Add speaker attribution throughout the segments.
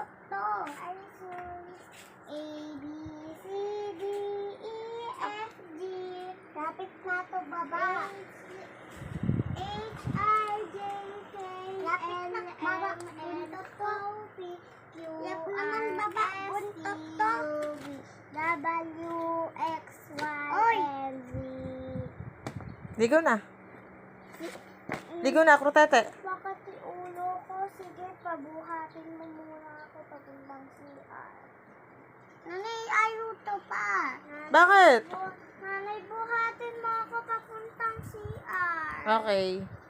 Speaker 1: to. Ay, sorry. A, B, C, D, E, F, G. Kapit na to, baba. H, I, J, K, L, M, N, O, P, Q, R, S, T, U, V, W, X, Y, and Z.
Speaker 2: Ligo na. Ligo na, krutete.
Speaker 1: Bakit yung ulo ko? Sige, pabuhatin mo muna ako papuntang CR. Nanay, ayuto pa.
Speaker 2: Bakit?
Speaker 1: Nanay, buhatin mo ako papuntang CR.
Speaker 2: Okay.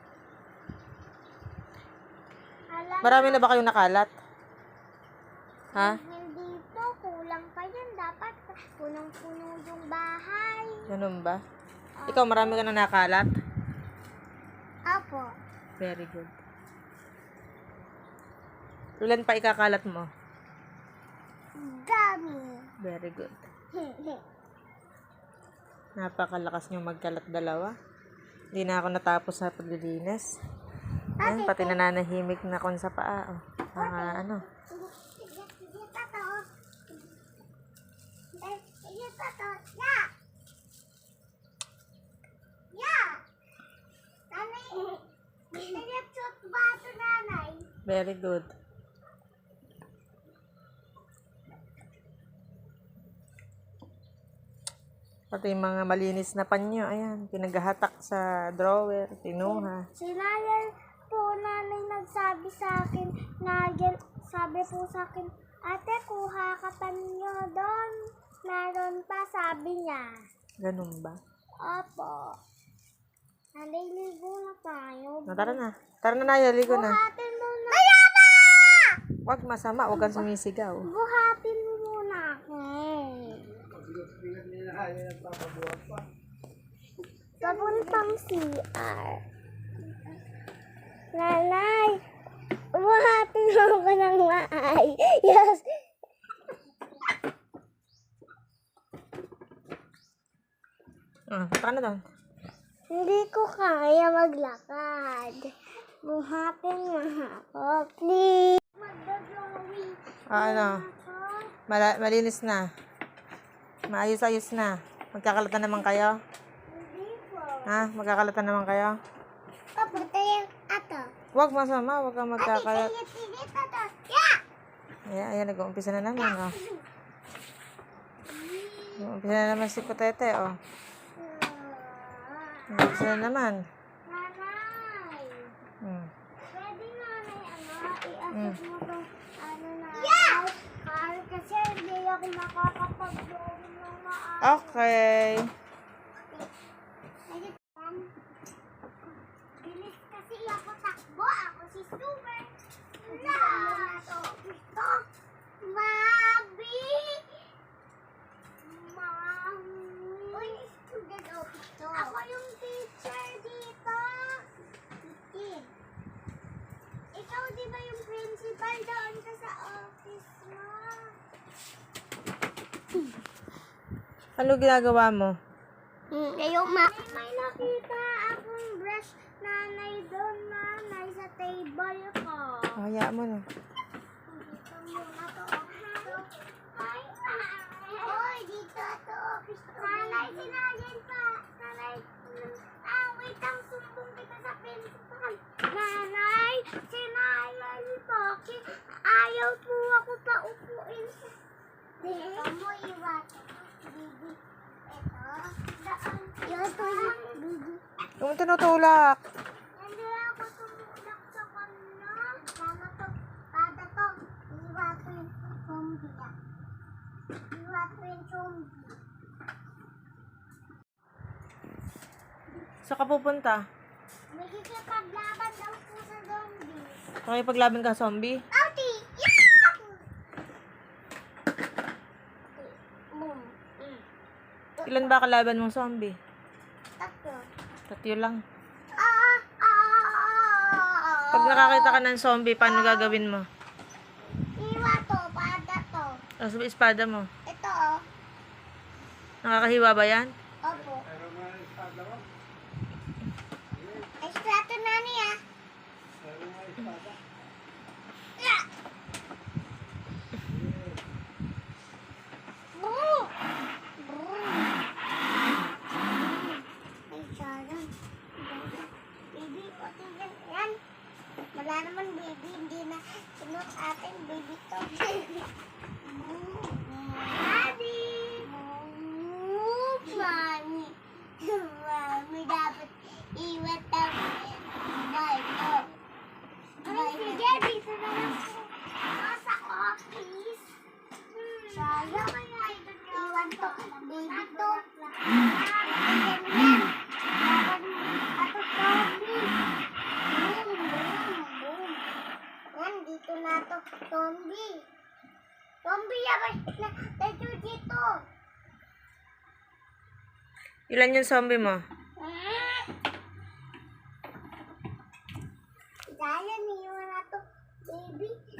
Speaker 1: Alam
Speaker 2: Marami na ba kayong nakalat? Ha?
Speaker 1: Hindi po, kulang pa yan. Dapat punong-puno yung bahay.
Speaker 2: Ganun ba? Ikaw, marami ka na nakalat?
Speaker 1: Apo.
Speaker 2: Very good. Ilan pa ikakalat mo?
Speaker 1: Dami.
Speaker 2: Very good. Napakalakas niyong magkalat dalawa. Hindi na ako natapos sa paglilinis. Ayan, pati nananahimik na kon sa paa. Oh. Ano?
Speaker 1: Sige, tato. Sige, tato. Ya! Ya! Nanay, pinag-shoot ba ito, nanay?
Speaker 2: Very good. Pati yung mga malinis na panyo, ayan, pinaghahatak sa drawer, pinuha.
Speaker 1: Sinayal po nanay nagsabi sa akin, Nagel, sabi po sa akin, ate, kuha ka pa ninyo doon. Meron pa, sabi niya.
Speaker 2: Ganun ba?
Speaker 1: Opo. Nanay, ligo na tayo.
Speaker 2: Tara na. Tara na, Naya, ligo na.
Speaker 1: Buhatin mo na. Mayama!
Speaker 2: Huwag masama, huwag kang sumisigaw.
Speaker 1: Buhatin mo muna ako. Papuntang CR. Nanay, buhatin mo ako ng maay. Yes.
Speaker 2: Paano doon?
Speaker 1: Hindi ko kaya maglakad. Buhatin mo ako, please. Magdodrawing.
Speaker 2: Ano? Malinis na. Maayos-ayos na. Magkakalatan naman kayo?
Speaker 1: Hindi po.
Speaker 2: Ha? Magkakalatan naman kayo?
Speaker 1: Papunta yung ato.
Speaker 2: Huwag masama, huwag kang magkakalat.
Speaker 1: Sige, tato. Yeah!
Speaker 2: Ayan, nag-uumpisa na naman, oh. Nag-uumpisa na naman si Kutete, oh. Nag-uumpisa na naman.
Speaker 1: Nanay. Pwede nanay, i-assess mo tong car kasi hindi ako makakapag-drawing ng maayos.
Speaker 2: Okay.
Speaker 1: Bilis kasi ako takbo. Ako si Super. Ito. Mabi. Uy, student office to. Ako yung teacher dito. Titin. Ikaw di ba yung principal doon ka sa office mo?
Speaker 2: Ano ginagawa mo?
Speaker 1: May nakita akong brush nanay doon, nanay, sa table ko.
Speaker 2: Hayaan mo na.
Speaker 1: Dito muna to. Ay, oy, dito to. Nanay, sinalin pa. Nanay, wait lang, sumbong kita sa principal. Nanay, sinalin po. Ayaw po ako pa upuin sa... Ito mo, iwan. Bibi. Ito. Daan. Ito, bibi.
Speaker 2: Yung tinutulak.
Speaker 1: Hindi ako tumulak sa kanya. Sana to, pada to. Iwa ko yung zombie yan. Iwa ko yung zombie.
Speaker 2: Saan ka pupunta?
Speaker 1: Magkikipaglaban daw po sa zombie.
Speaker 2: Makipaglaban ka, zombie?
Speaker 1: Outie! Yeah! Boom.
Speaker 2: Ilan ba kalaban mong zombie?
Speaker 1: Tatlo.
Speaker 2: Tatlo lang.
Speaker 1: Ah!
Speaker 2: Pag nakakita ka ng zombie, paano gagawin mo?
Speaker 1: Iwa to, pada to.
Speaker 2: Sa espada mo.
Speaker 1: Ito oh.
Speaker 2: Nakakahiwa ba yan?
Speaker 1: Opo. Esplato na niya. Wala naman baby, hindi na sunod atin baby to. Daddy! Mami! Mami, dapat iwan tayo. Bye to. Ay, sige, dito na lang po. Sa office. Sayang kaya iwan to. Baby to. Ganyan. Ato Tommy. Yan, dito na to. Tommy. Tommy, yaman na. Tayo dito.
Speaker 2: Ilan yung zombie mo?
Speaker 1: Dahil niyo na to, baby.